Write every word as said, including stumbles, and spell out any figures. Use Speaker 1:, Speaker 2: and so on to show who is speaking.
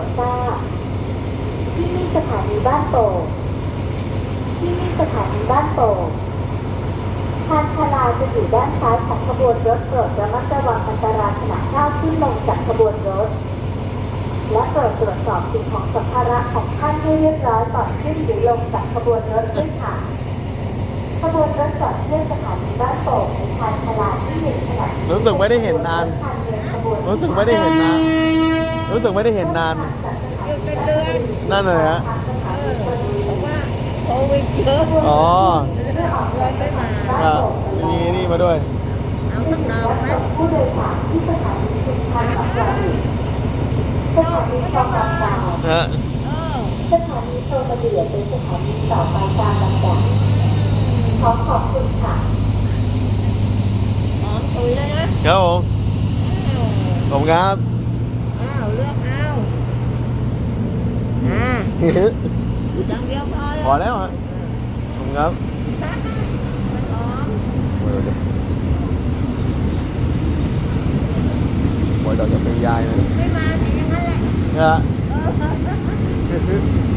Speaker 1: ทราบที่นี่สถานีบ้านโป่งที่นี่สถานีบ้านโป่งทางชาลาจะอยู่ด้านซ้ายของขบวนรถโปรดระมัดระวังอันตรายขณะก้าวขึ้นลงจากขบวนรถและโปรดตรวจสอบสิ่งของสัมภาระของท่านให้เรียบร้อยก่อนขึ้นหรือลงจากขบวนรถด้วยค่ะขบวนรถจอดเทียบสถานีบ้านโป่งในทางชาลาที่หนึ่งขณะ
Speaker 2: รู้สึกไม่ได้เห็นนาน รู้สึกไม่ได้เห็นนาน รู้สึกไม่ได้เห็นนาน
Speaker 3: อยู่เป็นเดือน
Speaker 2: นั่นเลยฮะ
Speaker 3: เออเพราะว่าโควิดเยอะ
Speaker 2: อ๋อ
Speaker 3: เลยไม่มา
Speaker 2: อ่ะมีนี่มาด้วย
Speaker 3: เอาสักดอกไหม
Speaker 1: ผู้โดยสารที่สถานีชุมทางบางจากสถานีคลองบางจาก
Speaker 2: ฮะ
Speaker 3: เออ
Speaker 1: สถานีโซนเดียเป็นสถานีต่อไปตามลำดับขอขอบคุณค่ะ
Speaker 3: หอมตุยเลยนะครับ
Speaker 2: ผมขอบคุณครับ
Speaker 3: อ้าวเลือกเอาอ่าอย่างเดียวพอเลย
Speaker 2: พอแล้วฮะขอบคุณครับ
Speaker 3: หอม
Speaker 2: บอยดอกจะเป็นยายนะ
Speaker 3: ไม่มาแต่อย่างนั้นแหละ
Speaker 2: ฮะ
Speaker 3: เออ